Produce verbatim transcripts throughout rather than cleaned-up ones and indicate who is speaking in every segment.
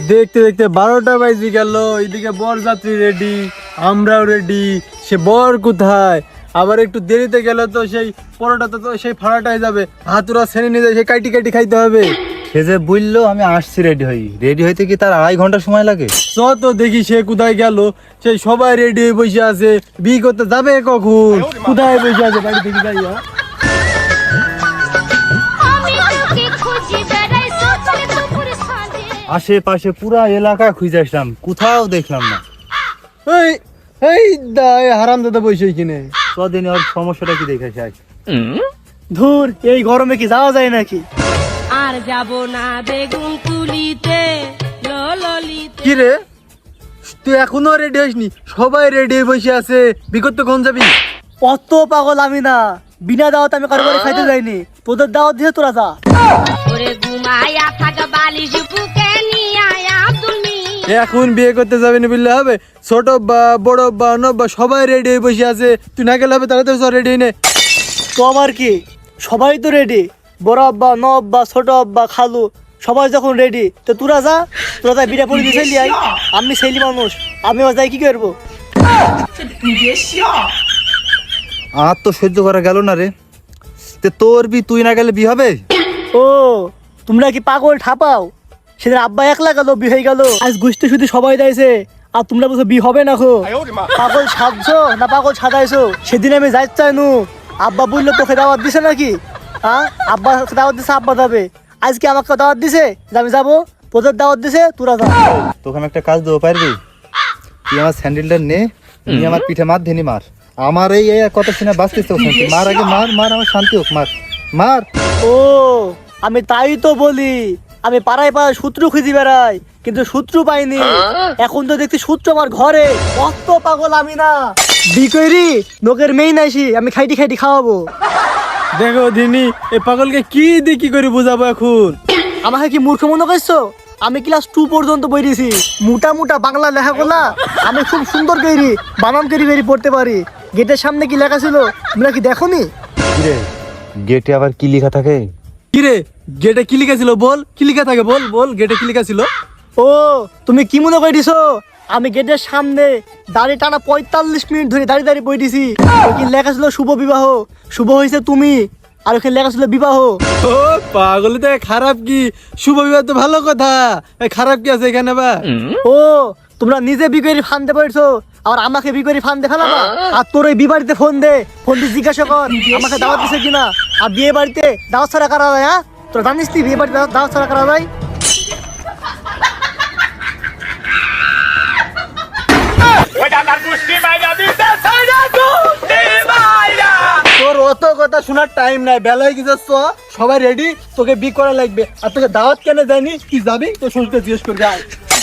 Speaker 1: দেখতে দেখতে বারোটা বাজে গেল, এইদিকে বরযাত্রী রেডি, আমরাও রেডি। সে বর কোথায়? আবার একটু দেরিতে গেলে তো সেই পরোটা তো সেই ফাড়াটাই যাবে, হাতুরা ছেড়ে নিয়ে যায়, সেই কাটি কাটি খাইতে হবে।
Speaker 2: সে যে বললো আমি আসছি রেডি হই, রেডি হইতে কি তার আড়াই ঘন্টা সময় লাগে?
Speaker 1: চ তো দেখি সে কোথায় গেল। সেই সবাই রেডি হয়ে বসে আছে, বিয়ে করতে যাবে কখন? কোথায় বসে আছে? বাড়ি থেকে যাই।
Speaker 2: আশেপাশে পুরা এলাকা খুঁজে আসলাম, কোথাও দেখলাম না।
Speaker 1: এই এই দা হারাম দাদা বসে কিনে
Speaker 2: কদিন ওর সমস্যাটা কি দেখে আস।
Speaker 3: ধুর, এই গরমে কি যাওয়া যায় নাকি?
Speaker 4: আর যাব না বেগুন তুলিতে ললিতে।
Speaker 1: কি রে, তুই এখনো রেডি হইসনি? সবাই রেডি হয়ে বসে আছে, বিকট কোন যাবি?
Speaker 3: অত পাগল আমি না, বিনা দাওয়াত আমি কারো বাড়ি খাইতে যাইনি। তোদের দাওয়াত দিয়ে তোরা যা।
Speaker 4: ওরে ঘুমায়া থাক বালিশ বুকে নিয়ে আয়া তুমি।
Speaker 1: এখন বিয়ে করতে যাবি না বললে হবে? ছোট বা বড় বা নব্বা সবাই রেডি হয়ে বসে আছে, তুই না গেলে হবে? তাহলে তো সব রেডি নে।
Speaker 3: তো আমার কি, সবাই তো রেডি। বড় আব্বা, ন আব্বা, ছোট আব্বা, খালু সবাই যখন রেডি, তো তোরা যা। তোরা যা বিড়া পড়ে দিয়ে চলি আই। আমি ছেলে মানুষ, আমি যাই কি করবো?
Speaker 2: আর তো সহ্য করা গেল না রে। তে তোর বি তুই না গেলে বি হবে?
Speaker 3: ও, তোমরা কি পাগল ঠাপাও? সেদিন আব্বা একলা গেল, বি হয়ে গেল। আজ গোষ্ঠী শুধু সবাই দাইছে, আর তোমরা বলছো বি হবে না। খো পাগল সাজছো না পাগল সাজাইছো? সেদিন আমি যাই চাইনু, আব্বা বললো তোকে দাওয়াত দিছে নাকি? হ্যাঁ, আব্বা দাওয়াত দিছে, আব্বা যাবে। আজকে আমাকে দাওয়াত দিছে যে আমি যাবো। তোদের দাওয়াত দিছে, তোরা যা।
Speaker 2: তোকে আমি একটা কাজ দেবো, পারবি? তুই আমার স্যান্ডেলটা নে, তুই আমার পিঠে মার ধেনি মার। আমার এই এই কত সিনা বাঁচতেছে, মার আগে মার, মার আমার শান্তি হোক, মার মার।
Speaker 3: ও, আমি তাই তো বলি, আমি পাড়ায় পাড়ায় সূত্র খুঁজি বেড়াই, কিন্তু সূত্র পাইনি। এখন তো দেখছি সূত্র আমার ঘরে। কত পাগল আমি না, বিকরি নোকের মেয়ে নাইছি, আমি খাইটি খাইটি খাওয়াবো।
Speaker 1: দেখো দিনি, এই পাগলকে কি দিয়ে কি করে বুঝাবো এখন?
Speaker 3: আমাকে কি মূর্খ মনে করছো? আমি ক্লাস টু পর্যন্ত পড়েছি। মোটা মোটা বাংলা লেখাগুলা আমি খুব সুন্দর করি, বানান করি বেরি পড়তে পারি। গেটের সামনে কি লেখা ছিল তোমরা কি দেখোনি?
Speaker 2: রে গেটে আবার কি লেখা থাকে?
Speaker 1: কি রে, গেটে কি লিখা ছিল? বল, কি লিখা থাকে? বল বল, গেটে কি লিখা ছিল?
Speaker 3: ও, তুমি কি মনে করে দিছো? আমি গেটের সামনে দাঁড়িয়ে টানা পঁয়তাল্লিশ মিনিট ধরে দাঁড়িয়ে দাঁড়িয়ে বই দিছি। কি লেখা ছিল? শুভ বিবাহ। শুভ হয়েছে তুমি, আর ওখানে লেখা ছিল বিবাহ।
Speaker 1: ও পাগল, তো খারাপ কি? শুভ বিবাহ তো ভালো কথা, এই খারাপ কি আছে এখানে? বা
Speaker 3: ও, তোমরা নিজে বিকরি ফান্দে পড়ছো, আর আমাকে বিকরি ফান্দে ফেলাবা? আর তোর ওই বিবাড়িতে ফোন দে, ফোন দিয়ে জিজ্ঞাসা কর আমাকে দাওয়াত দিছে কিনা। আর বিয়ে বাড়িতে দাওয়াত ছাড়া করা যায়? হ্যাঁ, তোরা জানিস তুই বিয়ে বাড়িতে দাওয়াত ছাড়া করা যায়?
Speaker 1: তোর অত কথা শোনার টাইম নাই, বেলায় কি যাচ্ছ? সবাই রেডি, তোকে বি করা লাগবে। আর তোকে দাওয়াত কেন দেয়নি? কি যাবি? তোর শ্বশুরকে জিজ্ঞেস করে যাই।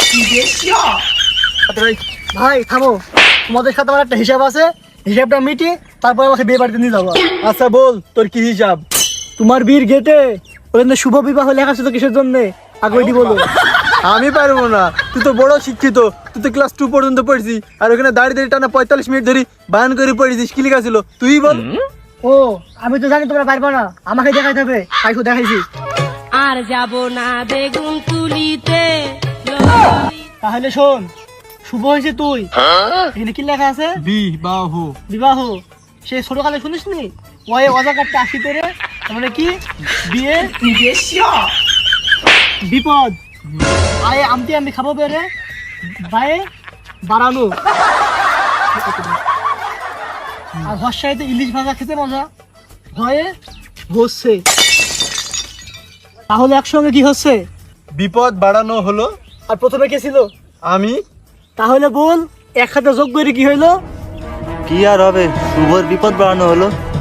Speaker 3: ভাই থামো, তোমাদের সাথে আমার একটা হিসাব আছে, হিসাবটা মিটি তারপর আমাকে বিয়ে বাড়িতে নিয়ে যাবো।
Speaker 1: আচ্ছা বল, তোর কি হিসাব?
Speaker 3: তোমার বীর গেটে ওখানে শুভ বিবাহ লেখা ছিল কিসের জন্য? আগে ওইটি বলো।
Speaker 1: আমি পারবো না, তুই তো বড় শিক্ষিত, তুই তো ক্লাস টু পর্যন্ত পড়ছিস, আর ওখানে দাঁড়িয়ে দাঁড়িয়ে টানা পঁয়তাল্লিশ মিনিট ধরে বায়ান করে পড়েছিস, কি লেখা ছিল তুই বল।
Speaker 3: ও, আমি তো জানি তোমরা পারবা না, আমাকে দেখাইতে হবে, আইসো দেখাইছি।
Speaker 4: আর যাব না বেগুন তুলিতে।
Speaker 3: তাহলে শোন, শুভ হয়েছে তুই, এখানে কি লেখা আছে?
Speaker 1: বিবাহ।
Speaker 3: বিবাহ। সে ছোটকালে শুনিস নি? ওয়ে অজাকারটা আসি তেরে, মানে কি বিয়ে বিপদ। আয়ে আমতি আমি খাবো বেরে, বায়ে বাড়ানো। আর হর্ষাইতে ইলিশ ভাজা খেতে মজা, ভয়ে হচ্ছে। তাহলে একসঙ্গে কি হচ্ছে?
Speaker 1: বিপদ বাড়ানো হলো।
Speaker 3: আর প্রথমে কে ছিল?
Speaker 1: আমি।
Speaker 3: তাহলে বল, এক হাতে যোগ করে কি হইলো?
Speaker 2: কি আর হবে, শুভর বিপদ বাড়ানো হলো।